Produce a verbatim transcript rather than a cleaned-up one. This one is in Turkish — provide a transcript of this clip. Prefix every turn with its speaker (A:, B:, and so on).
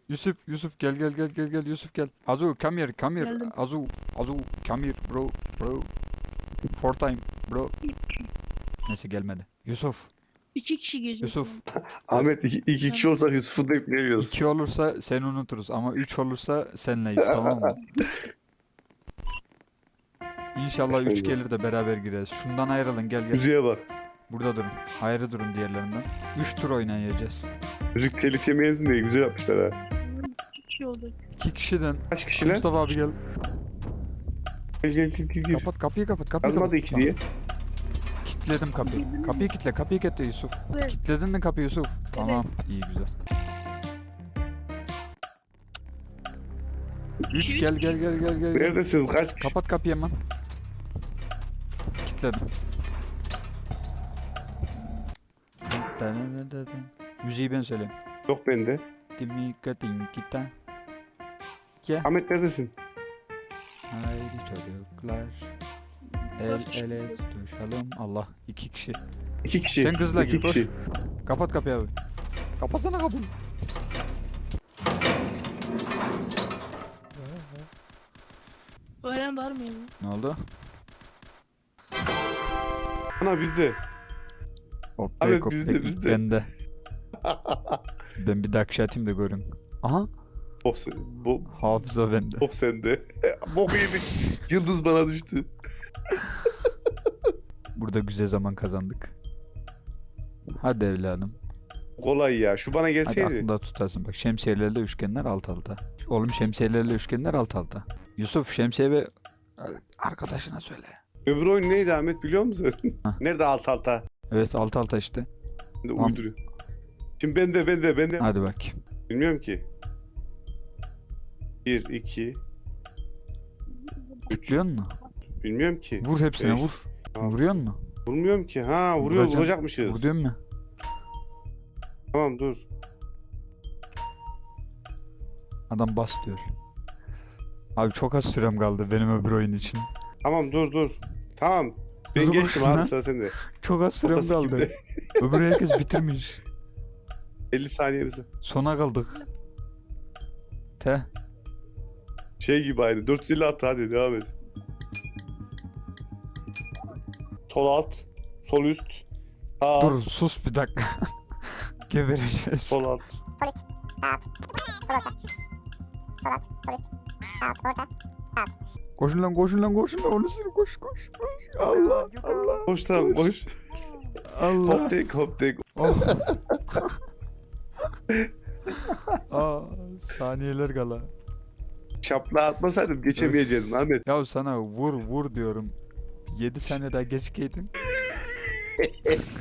A: Yusuf, Yusuf gel gel gel gel gel Yusuf gel. Azu come here, come here.
B: Geldim.
A: Azu, Azu come here bro, bro. Four time bro. Neyse gelmedi. Yusuf,
B: İki kişi girecek.
A: Yusuf.
C: Ahmet iki, iki kişi olsak Yusuf'u da iplemiyoruz.
A: İki olursa seni unuturuz ama üç olursa senleyiz tamam mı? İnşallah üç gelir de beraber gireriz. Şundan ayrılın gel gel.
C: Müziğe bak.
A: Burada durun. Ayrı durun diğerlerinden. Üç tur oynayacağız.
C: Müzik telif yemeyesin diye güzel yapmışlar ha.
B: İki kişi oldu.
A: İki kişiden.
C: Kaç kişiler?
A: Mustafa abi gel.
C: Gel gel gel gel. gel.
A: Kapat kapıyı kapat kapıyı
C: Yazmadı
A: kapat.
C: iki
A: Tamam.
C: diye.
A: Kilitledim kapıyı. Kapıyı kilitle kapıyı kilitle Yusuf.
B: Evet.
A: Kilitledin mi kapıyı Yusuf? Tamam iyi güzel. Üç
B: İki,
A: gel
B: üç.
A: gel gel gel gel.
C: Neredesiniz? Kaç kişi?
A: Kapat kapıyı hemen. Kilitledim. Müziği ben söyleyeyim.
C: Yok bende.
A: Dimika dinkita. Ya.
C: Ahmet neredesin?
A: Haydi çocuklar. El ele tutuşalım. Allah iki kişi.
C: İki kişi.
A: Sen kızla
C: İki
A: gir, koş.
C: kişi.
A: Kapat kapıyı abi. Kapatsana kapıyı.
B: Öğren var mı ya?
A: Ne oldu?
C: Ana bizde.
A: Hop
C: Abi,
A: bek hop
C: bizde,
A: bek.
C: bizde.
A: Bende. Ben bir dakika atayım da görün. Aha.
C: Bok, sen- bo,
A: Hafıza bende.
C: bok sende. Bok yedik. Yıldız bana düştü.
A: Burada güzel zaman kazandık. Hadi evladım.
C: Kolay ya. Şu bana
A: Hadi
C: gelseydi.
A: aklında tutarsın. Bak şemsiyelerle üçgenler alt alta. Oğlum şemsiyelerle üçgenler alt alta. Yusuf şemsiye ve arkadaşına söyle.
C: Öbür oyun neydi Ahmet biliyor musun?
A: Hah.
C: Nerede alt alta?
A: Evet alt alta işte.
C: Şimdi
A: Tamam.
C: uyduruyor. Şimdi ben de ben de ben de.
A: Hadi bak.
C: Bilmiyorum ki. Bir, iki, üç.
A: Biliyor musun?
C: Bilmiyorum ki.
A: Vur hepsine
C: Beş.
A: vur.
C: Tamam.
A: Vuruyor musun?
C: Vurmuyorum ki. Ha vuruyor
A: Vuracaksın.
C: vuracakmışız.
A: Vur diyorum mu?
C: Tamam dur.
A: Adam bas diyor. Abi çok az sürem kaldı benim öbür oyun için.
C: Tamam dur dur. Tamam. Ben
A: Hızlı
C: geçtim
A: koşun
C: abi
A: lan.
C: sıra sende.
A: Çok az sürem
C: Otası
A: kaldı.
C: kimde?
A: Öbür herkes bitirmiş.
C: elli saniyemiz.
A: Sona kaldık. Te.
C: Şey gibi aynı. dört yüz elli at hadi devam et. Sol alt. Sol üst. Sağ alt.
A: Dur sus bir dakika. Gebereceğiz.
C: Sol alt.
A: Koşun lan koşun lan koşun lan. Onu sürü koş koş koş. Allah Allah.
C: Koş tamam koş.
A: Allah.
C: Hop tek hop tek.
A: Oh. Aa, saniyeler kala.
C: Şapla atmasaydım geçemeyecektin Ahmet.
A: Ya sana vur vur diyorum. yedi saniye daha geç geldin.